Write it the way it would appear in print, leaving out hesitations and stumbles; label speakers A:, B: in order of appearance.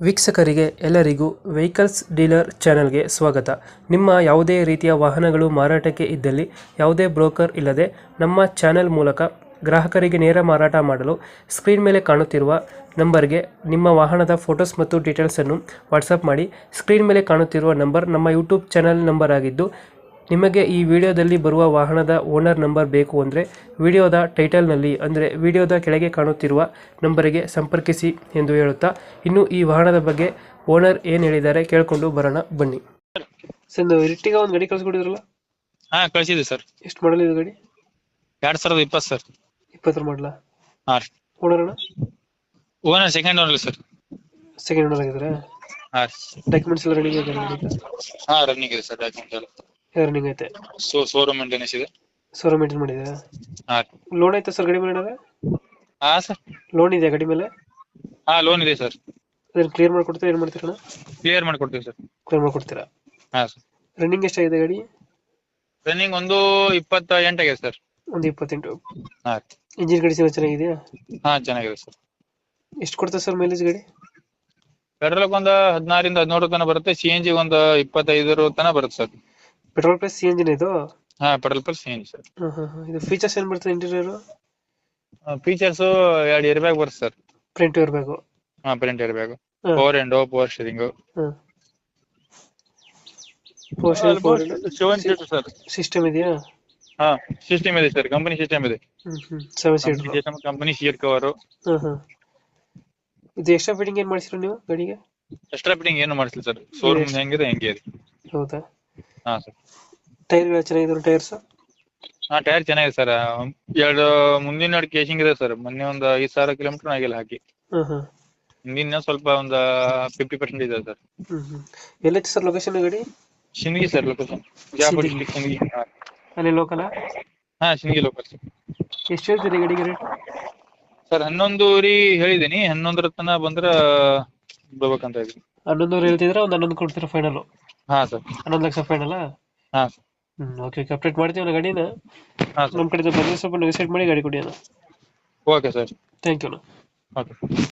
A: ವೀಕ್ಷಕರಿಗೆ ಎಲ್ಲರಿಗೂ vehicles dealer ಚಾನೆಲ್ಗೆ ಸ್ವಾಗತ. ನಿಮ್ಮ ಯಾವುದೇ ರೀತಿಯ ವಾಹನಗಳು ಮಾರಾಟಕ್ಕೆ ಇದ್ದಲ್ಲಿ ಯಾವುದೇ ಬ್ರೋಕರ್ ಇಲ್ಲದೆ ನಮ್ಮ ಚಾನೆಲ್ ಮೂಲಕ ಗ್ರಾಹಕರಿಗೆ ನೇರ ಮಾರಾಟ ಮಾಡಲು ಸ್ಕ್ರೀನ್ ಮೇಲೆ ಕಾಣುತ್ತಿರುವ ನಂಬರ್ಗೆ ನಿಮ್ಮ ವಾಹನದ ಫೋಟೋಸ್ ಮತ್ತು ಡೀಟೇಲ್ಸನ್ನು ವಾಟ್ಸಪ್ ಮಾಡಿ. ಸ್ಕ್ರೀನ್ ಮೇಲೆ ಕಾಣುತ್ತಿರುವ ನಂಬರ್ ನಮ್ಮ ಯೂಟ್ಯೂಬ್ ಚಾನೆಲ್ ನಂಬರ್ ಆಗಿದ್ದು, ನಿಮಗೆ ಈ ವಿಡಿಯೋದಲ್ಲಿ ಬರುವ ವಾಹನದ ಓನರ್ ನಂಬರ್ ಬೇಕು ಅಂದರೆ ವಿಡಿಯೋದ ಟೈಟಲ್ನಲ್ಲಿ ಅಂದರೆ ವಿಡಿಯೋದ ಕೆಳಗೆ ಕಾಣುತ್ತಿರುವ ನಂಬರಿಗೆ ಸಂಪರ್ಕಿಸಿ ಎಂದು ಹೇಳುತ್ತಾ, ಇನ್ನು ಈ ವಾಹನದ ಬಗ್ಗೆ ಓನರ್ ಏನು ಹೇಳಿದ್ದಾರೆ ಕೇಳಿಕೊಂಡು ಬರೋಣ ಬನ್ನಿ. ಸರ್, ಇರ್ಟಿಗ ಒಂದು ಗಾಡಿ ಕಳಿಸ್ಕೊಡಿದ್ರಲ್ಲ?
B: ಹಾ, ಕಳಿಸಿದ್ವಿ ಸರ್.
A: ಎಷ್ಟು ಮಾಡಲ್ ಇದು ಗಾಡಿ?
B: 2020 ಸರ್.
A: 20 ಮಾಡಲ?
B: ಹಾ.
A: ಓನರ್ ಅಣ್ಣ?
B: Owner second owner sir.
A: Second owner ಆಗಿದ್ದಾರೆ?
B: ಹಾ.
A: ಡಾಕ್ಯುಮೆಂಟ್ಸ್ ಎಲ್ಲ ರೆಡಿ ಇದೆ?
B: ಹಾ, ರನ್ನಿಂಗ್ ಇದೆ ಸರ್. ಡಾಕ್ಯುಮೆಂಟ್ ಎಲ್ಲ
A: ರನ್ನಿಂಗ್ ಐತೆ.
B: ಶೋರೂಮ್ ಮೇಂಟೆನೆನ್ಸ್ ಇದೆ.
A: ಶೋರೂಮ್ ಮೇಂಟೈನ್ ಮಾಡಿದ್ದೀರಾ?
B: ಹಾ.
A: ಲೋನ್ ಐತೆ ಸರ್ ಗಾಡಿ ಮೇಲೆ ಏನಾದ್ರೆ?
B: ಹಾ ಸರ್.
A: ಲೋನ್ ಇದೆಯಾ ಗಾಡಿ ಮೇಲೆ?
B: ಹಾ, ಲೋನ್ ಇದೆ ಸರ್.
A: ಅದನ್ನ ಕ್ಲಿಯರ್ ಮಾಡ್ಕೊಡ್ತೀರಾ, ಏನು ಮಾಡ್ತೀರಾ?
B: ಕ್ಲಿಯರ್ ಮಾಡ್ಕೊಡ್ತೀವಿ ಸರ್.
A: ಕ್ಲಿಯರ್ ಮಾಡ್ಕೊಡ್ತೀರಾ?
B: ಹಾ ಸರ್.
A: ರನ್ನಿಂಗ್ ಎಷ್ಟಾಗಿದೆ ಗಾಡಿ?
B: ರನ್ನಿಂಗ್ ಒಂದು 28 ಆಗಿದೆ ಸರ್.
A: ಒಂದು 28.
B: ಹಾ.
A: ಇಂಜಿನ್ ಕಂಡೀಷನ್ ಚೆನ್ನಾಗಿದೆಯಾ?
B: ಹಾ, ಚೆನ್ನಾಗಿದೆ ಸರ್.
A: ಎಷ್ಟು ಕೊಡ್ತದೆ ಸರ್ ಮೈಲೇಜ್ ಗಾಡಿ?
B: ಪೆಟ್ರೋಲ್ ಒಂದು 16 ರಿಂದ 17 ತನಕ ಬರುತ್ತೆ. CNG ಒಂದು 25 ತನಕ ಬರುತ್ತೆ sir.
A: Petrol plus C engine ಇದು?
B: ಹಾ, ಪೆಟ್ರೋಲ್ ಪ್ಲಸ್ CNG ಸರ್.
A: ಇದು ಫೀಚರ್ಸ್ ಏನು ಬರ್ತದೆ ಇಂಟೀರಿಯರ್?
B: ಫೀಚರ್ಸ್ 2 ಏರ್ ಬ್ಯಾಗ್ ಬರುತ್ತೆ ಸರ್.
A: Front airbag?
B: ಹಾ, front airbag, power window, power steering, 7 seater sir.
A: System ಇದೆಯಾ?
B: ಹಾ, ಸಿಸ್ಟಮ್ ಇದೆ ಸರ್. ಕಂಪನಿ ಸಿಸ್ಟಮ್ ಇದೆ.
A: 7 ಸೀಟರ್.
B: Company seat cover.
A: ಇದು ಎಕ್ಸ್ಟ್ರಾ ಫಿಟ್ಟಿಂಗ್ ಏನು ಮಾಡಿಸಿರೋ ನೀವು ಗಾಡಿಗೆ?
B: ಎಕ್ಸ್ಟ್ರಾ ಫಿಟ್ಟಿಂಗ್ ಏನು ಮಾಡಿಸಿಲ್ಲ ಸರ್. ಶೋರೂಮ್ ಹೆಂಗಿದೆ ಹಂಗೆ ಇದೆ.
A: ಹೌದಾ?
B: ಹಾ ಸರ್.
A: ಟೈರ್ಗಳು ಚೆನ್ನಾಗಿದೆ ಟೈರ್ಸ್?
B: ಹಾ, ಟೈರ್ ಚೆನ್ನಾಗಿದೆ ಸರ್. 2 ಮುಂದಿನ ಕೇಸಿಂಗ್ ಇದೆ ಸರ್. ಮೊನ್ನೆ ಒಂದು 5,000 ಕಿಲೋಮೀಟರ್ ಆಗಿಲ್ಲ ಹಾಕಿ. ಹಿಂದಿನ ಸ್ವಲ್ಪ ಒಂದು 50% ಇದೆ ಸರ್.
A: ಎಲ್ಲೈತೆ ಸರ್ ಲೊಕೇಶನ್ ಗಾಡಿ?
B: Sindagi sir. Location Bijapur district Sindagi.
A: ಅಲ್ಲಿ ಲೋಕಲ್?
B: ಹಾ, ಶಿಂದಗಿ ಲೋಕಲ್ ಸರ್.
A: ಎಷ್ಟು ಹೇಳ್ತೀರಿ ಗಾಡಿಗೆ ರೇಟ್?
B: ಸರ್ 11 ಹೇಳಿದೀನಿ. 11 ತನಕ ಬಂದ್ರ ಬರ್ಬೇಕಂತ ಇದ್ದೀನಿ.
A: 11 ಹೇಳ್ತಿದ್ರೆ ಒಂದು 11 ಕೊಡ್ತೀರಾ ಫೈನಲ್?
B: ಹಾ ಸರ್.
A: 11 ಲಕ್ಷ ಫೈನಲ್?
B: ಹಾ ಸರ್.
A: ಓಕೆ, ಅಪ್ಡೇಟ್ ಮಾಡ್ತೀವಿ ಗಾಡಿನ.
B: ಹಾ ಸರ್.
A: ನಮ್ಮ ಕಡೆಯಿಂದ ಬಂದರೆ ಸ್ವಲ್ಪ ನೆಗೋಸಿಯೇಟ್ ಮಾಡಿ ಗಾಡಿ ಕೊಡಿ ಅಣ್ಣ.
B: Okay sir.
A: ಥ್ಯಾಂಕ್ ಯು ಅಣ್ಣ.
B: ಓಕೆ.